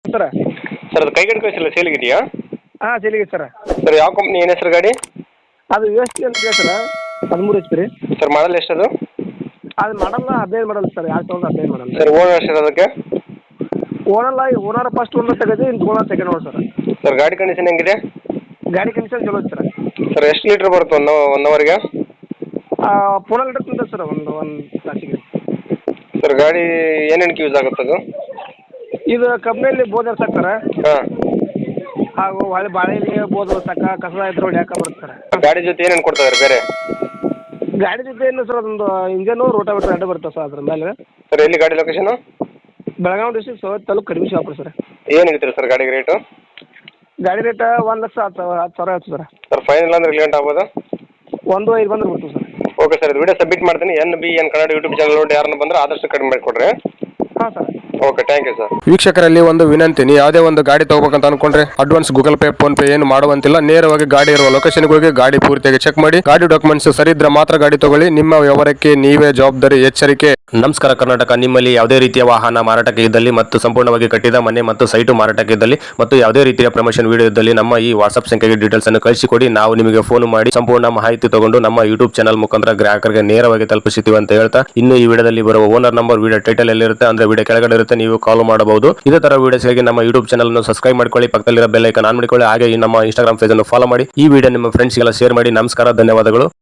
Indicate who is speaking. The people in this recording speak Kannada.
Speaker 1: ಸರ
Speaker 2: ಸರ್ ಅದು ಕೈಗಡೆ ಕಳಿಸಿಲ್ಲ ಸೇಲಿಗಿದೆಯಾ?
Speaker 1: ಹಾಂ ಸೇಲಿಗೆ ಸರ.
Speaker 2: ಸರ್ ಯಾವ ಕಂಪ್ನಿ ಏನು ಹೆಸರು ಗಾಡಿ?
Speaker 1: ಅದು ಯು ಎಸ್ ಟಿ ಅಂತ ಹೇಳಿ ಸರ 13 ಎಚ್ ಪಿ ರೀ.
Speaker 2: ಸರ್ ಮಾಡಲ್ ಎಷ್ಟದು?
Speaker 1: ಅದು model 15 model sir, 2015 model.
Speaker 2: Sir owner ಎಷ್ಟು ಅದಕ್ಕೆ?
Speaker 1: ಓನರ್ ಫಸ್ಟ್ ಓನರ್ ತೆಗೆದು ಇನ್ನು owner second owner sir.
Speaker 2: Sir ಗಾಡಿ ಕಂಡೀಷನ್ ಹೆಂಗಿದೆ?
Speaker 1: ಗಾಡಿ ಕಂಡೀಷನ್ ಚಲೋ ಐತೆ ಸರ್.
Speaker 2: ಸರ್ ಎಷ್ಟು ಲೀಟ್ರ್ ಬರುತ್ತೆ ಒನ್ ಅವರ್ಗೆ?
Speaker 1: ಫೋನಲ್ಲಿ ಲೀಟರ್ ತಿಂತದೆ ಸರ್ ಒಂದು ತಾಸಿಗೆ.
Speaker 2: ಸರ್ ಗಾಡಿ ಏನೇನಕ್ಕೆ ಯೂಸ್ ಆಗುತ್ತೆ ಅದು?
Speaker 1: ಇದು ಕಂಪ್ನಿಯಲ್ಲಿ ಬೋದ್ ಸರ್
Speaker 2: ಹಾಂ.
Speaker 1: ಹಾಗೂ ಹೊಳೆ ಬಾಳೆಯಲ್ಲಿ ಬೋದ್ ಸಕ್ಕ ಕಸ ಇದ್ರೆ ಹೊಡ್ಯಾಕ ಬರುತ್ತೆ ಸರ್.
Speaker 2: ಗಾಡಿ ಜೊತೆ ಏನೇನು ಕೊಡ್ತಾರೆ ಬೇರೆ?
Speaker 1: ಗಾಡಿ ಜೊತೆ ಏನು ಸರ್ ಅದೊಂದು ಇಂಜನು ರೋಟಾವೇಟರ್ ಎರಡು ಬರುತ್ತೆ ಸರ್ ಅದ್ರ ಮೇಲೆ.
Speaker 2: ಸರ್ ಎಲ್ಲಿ ಗಾಡಿ ಲೊಕೇಶನು?
Speaker 1: ಬೆಳಗಾವಿ ಡಿಸ್ಟ್ರಿಕ್ಟ್ ಸವತ್ ತಾಲೂಕು ಕಡಿಮೆ ಶಾಪುರ ಸರ್.
Speaker 2: ಏನು ಹೇಳ್ತೀರಿ ಸರ್ ಗಾಡಿಗೆ ರೇಟು?
Speaker 1: ಗಾಡಿ ರೇಟ್ 1,10,000 ಆಯ್ತು ಸರ್.
Speaker 2: ಸರ್ ಫೈನಲ್ ಅಂದ್ರೆ ಲೇಟ್ ಆಗ್ಬೋದು?
Speaker 1: 1,500 ಬಂದ್ರೆ ಬಿಡ್ತೀವಿ ಸರ್.
Speaker 2: ಓಕೆ ಸರ್, ಇದು ವಿಡಿಯೋ ಸಬ್ಮಿಟ್ ಮಾಡ್ತೀನಿ. NBN ಕನ್ನಡ ಯೂಟ್ಯೂಬ್ ಚಾನಲ್ ನೋಡಿ ಯಾರನ್ನ ಬಂದ್ರೆ ಆದಷ್ಟು ಕಡಿಮೆ ಮಾಡಿಕೊಡ್ರಿ.
Speaker 1: ಹಾಂ sir.
Speaker 2: Okay, thank you sir.
Speaker 3: ವೀಕ್ಷಕರಲ್ಲಿ ಒಂದು ವಿನಂತಿ, ನೀವು ಯಾವುದೇ ಒಂದು ಗಾಡಿ ತಗೋಬೇಕಂತ ಅನ್ಕೊಂಡ್ರೆ advance Google Pay PhonePe ಏನು ಮಾಡುವಂತಿಲ್ಲ. ನೇರವಾಗಿ ಗಾಡಿ ಇರುವ ಲೊಕೇಶನ್ಗೆ ಹೋಗಿ ಗಾಡಿ ಪೂರ್ತಿಯಾಗಿ ಚೆಕ್ ಮಾಡಿ, ಗಾಡಿ ಡಾಕ್ಯುಮೆಂಟ್ಸ್ ಸರಿ ಇದ್ರೆ ಮಾತ್ರ ಗಾಡಿ ತಗೊಳ್ಳಿ. ನಿಮ್ಮ ವ್ಯವಹಾರಕ್ಕೆ ನೀವೇ ಜವಾಬ್ದಾರಿ. ಎಚ್ಚರಿಕೆ. ನಮಸ್ಕಾರ ಕರ್ನಾಟಕ. ನಿಮ್ಮಲ್ಲಿ ಯಾವುದೇ ರೀತಿಯ ವಾಹನ ಮಾರಾಟಕ್ಕೆ ಇದ್ದಲ್ಲಿ ಮತ್ತು ಸಂಪೂರ್ಣವಾಗಿ ಕಟ್ಟಿದ ಮನೆ ಮತ್ತು ಸೈಟು ಮಾರಾಟಕ್ಕೆ ಇದ್ದಲ್ಲಿ ಮತ್ತು ಯಾವುದೇ ರೀತಿಯ ಪ್ರಮೋಷನ್ ವಿಡಿಯೋ ಇದ್ದಲ್ಲಿ ನಮ್ಮ ಈ ವಾಟ್ಸ್ಆಪ್ ಸಂಖ್ಯೆಗೆ ಡೀಟೇಲ್ಸ್ ಅನ್ನು ಕಳಿಸಿಕೊಡಿ. ನಾವು ನಿಮಗೆ ಫೋನ್ ಮಾಡಿ ಸಂಪೂರ್ಣ ಮಾಹಿತಿ ತಗೊಂಡು ನಮ್ಮ ಯೂಟ್ಯೂಬ್ ಚಾನಲ್ ಮುಖಾಂತರ ಗ್ರಾಹಕರಿಗೆ ನೇರವಾಗಿ ತಲುಪಿಸುತ್ತೀವಿ ಅಂತ ಹೇಳ್ತಾ, ಇನ್ನು ಈ ವಿಡಿಯೋದಲ್ಲಿ ಬರುವ ಓನರ್ ನಂಬರ್ ವಿಡಿಯೋ ಟೈಟಲ್ ಎಲ್ಲಿರುತ್ತೆ ಅಂದ್ರೆ ವಿಡಿಯೋ ಕೆಳಗಡೆ ಇರುತ್ತೆ, ನೀವು ಕಾಲ್ ಮಾಡಬಹುದು. ಇದೇ ತರ ವಿಡಿಯೋಸ್ಗಾಗಿ ನಮ್ಮ ಯೂಟ್ಯೂಬ್ ಚಾನಲ್ ಅನ್ನು ಸಬ್ಸ್ಕ್ರೈಬ್ ಮಾಡ್ಕೊಳ್ಳಿ, ಪಕ್ಕದಲ್ಲಿರೋ ಬೆಲ್ ಐಕಾನ್ ಆನ್ ಮಾಡಿಕೊಳ್ಳಿ. ಹಾಗೆ ನಮ್ಮ ಇನ್ಸ್ಟಾಗ್ರಾಮ್ ಪೇಜ್ ಅನ್ನು ಫಾಲೋ ಮಾಡಿ. ಈ ವಿಡಿಯೋ ನಿಮ್ಮ ಫ್ರೆಂಡ್ಸ್ಗೆಲ್ಲ ಶೇರ್ ಮಾಡಿ. ನಮಸ್ಕಾರ, ಧನ್ಯವಾದಗಳು.